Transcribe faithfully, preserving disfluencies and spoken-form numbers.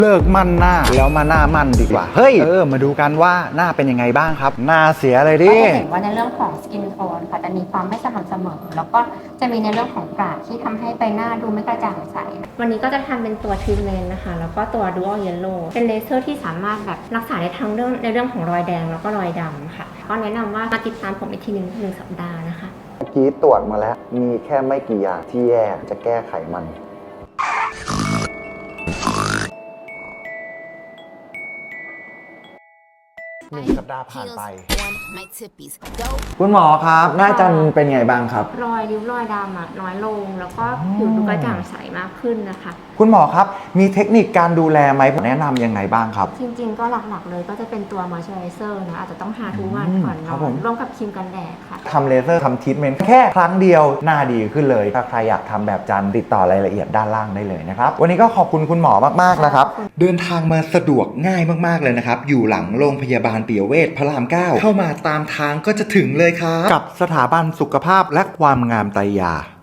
เลิกมั่นหน้าแล้วมาหน้ามั่นดีกว่าเฮ้ยเออมาดูกันว่าหน้าเป็นยังไงบ้างครับหน้าเสียเลยดิก็จะเห็นว่าในเรื่องของสกินโทนค่ะจะมีความไม่สม่ำเสมอแล้วก็จะมีในเรื่องของกระที่ทำให้ใบหน้าดูไม่กระจ่างใสวันนี้ก็จะทำเป็นตัวทรีทเมนต์นะคะแล้วก็ตัว Dual Yellow เป็นเลเซอร์ที่สามารถแบบรักษาได้ทั้งเรื่องในเรื่องของรอยแดงแล้วก็รอยดำค่ะก็แนะนำว่ามาติดตามผมอีกทีหนึ่งหนึ่งสัปดาห์นะคะเมื่อกี้ตรวจมาแล้วมีแค่ไม่กี่อย่างที่แย่จะแก้ไขมันหนึ่งสัปดาห์ผ่านไปคุณหมอครับหน้าจันเป็นไงบ้างครับรอยริ้วรอยดำอะน้อยลงแล้วก็ผิวดูกระจ่างใสมากขึ้นนะคะคุณหมอครับมีเทคนิคการดูแลไหมผมแนะนำยังไงบ้างครับจริงๆก็หลักๆเลยก็จะเป็นตัวมอยเจอไรเซอร์นะอาจจะต้องทาทุกวันก่อนนอนร่วมกับครีมกันแดดค่ะทำเลเซอร์ทำทรีทเมนต์แค่ครั้งเดียวหน้าดีขึ้นเลยถ้าใครอยากทำแบบจันติดต่อรายละเอียดด้านล่างได้เลยนะครับวันนี้ก็ขอบคุณคุณหมอมากๆนะครับเดินทางมาสะดวกง่ายมากๆเลยนะครับอยู่หลังโรงพยาบาลปิยเวชพระรามเก้าเข้ามาตามทางก็จะถึงเลยครับกับสถาบันสุขภาพและความงามไตรยา